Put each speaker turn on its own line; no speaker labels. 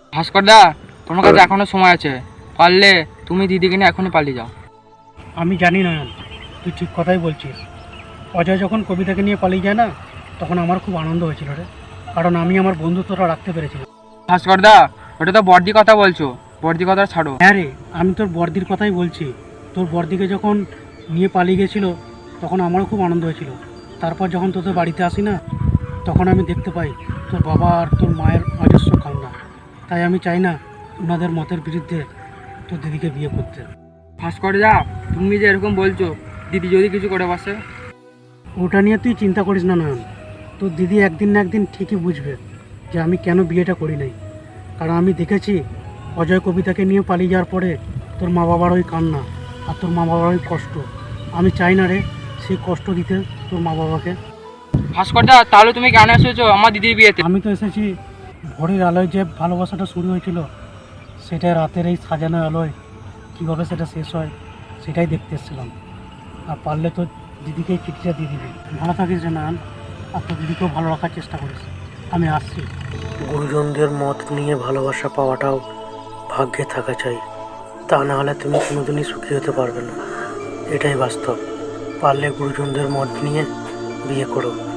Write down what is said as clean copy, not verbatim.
ভাস্করদা, তোমার কাছে এখনো সময় আছে, পারলে তুমি দিদিকে নিয়ে এখনই পালিয়ে যাও।
আমি জানি নয়ন, তুই ঠিক কথাই বলছিস। অজয় যখন কবিতাকে নিয়ে পালিয়ে যায় না, তখন আমার খুব আনন্দ হয়েছিল রে, কারণ আমি আমার বন্ধুত্বটা রাখতে পেরেছিলাম।
ভাস্করদা, ওটা তো বর্দি কথা বলছো, বর্দি কথা ছাড়ো।
হ্যাঁ রে, আমি তোর বর্দির কথাই বলছি। তোর বর্দিকে যখন নিয়ে পালিয়ে গেছিল, তখন আমারও খুব আনন্দ হয়েছিল। তারপর যখন তোদের বাড়িতে আসি না, তখন আমি দেখতে পাই তোর বাবা আর তোর মায়ের অজস্র কান্না। তাই আমি চাই না ওনাদের মতের বিরুদ্ধে তোর দিদিকে বিয়ে করতে।
ভাস্করদা, তুমি যে এরকম বলছো, দিদি যদি কিছু করে বসে?
ওটা নিয়ে তুই চিন্তা করিস না নয়ন। তোর দিদি একদিন না একদিন ঠিকই বুঝবে যে আমি কেন বিয়েটা করি নাই। কারণ আমি দেখেছি অজয় কবিতাকে নিয়ে পালিয়ে যাওয়ার পরে তোর মা বাবার ওই কান্না আর তোর মা বাবার ওই কষ্ট, আমি চাই না রে সেই কষ্ট দিতে তোর মা বাবাকে।
ভাস্করদা, তাহলে তুমি কেন এসেছো আমার দিদির বিয়েতে?
আমি তো এসেছি ভোরের আলোয় যে ভালোবাসাটা শুরু হয়েছিল, সেটা রাতের এই সাজানো আলোয় কীভাবে সেটা শেষ হয় সেটাই দেখতে এসেছিলাম। আর পারলে তো দিদিকে এই চিঠিটা দিয়ে দিবি। ভালো থাকিস রে নারায়ণ, আর তোর দিদিকেও ভালো রাখার চেষ্টা করিস। আমি আসছি। গুরুজনদের মত নিয়ে ভালোবাসা পাওয়াটাও ভাগ্যে থাকা চাই, তা না হলে তুমি কোনোদিনই সুখী হতে পারবে না। এটাই বাস্তব। পারলে গুরুজনদের মত নিয়ে বিয়ে করো।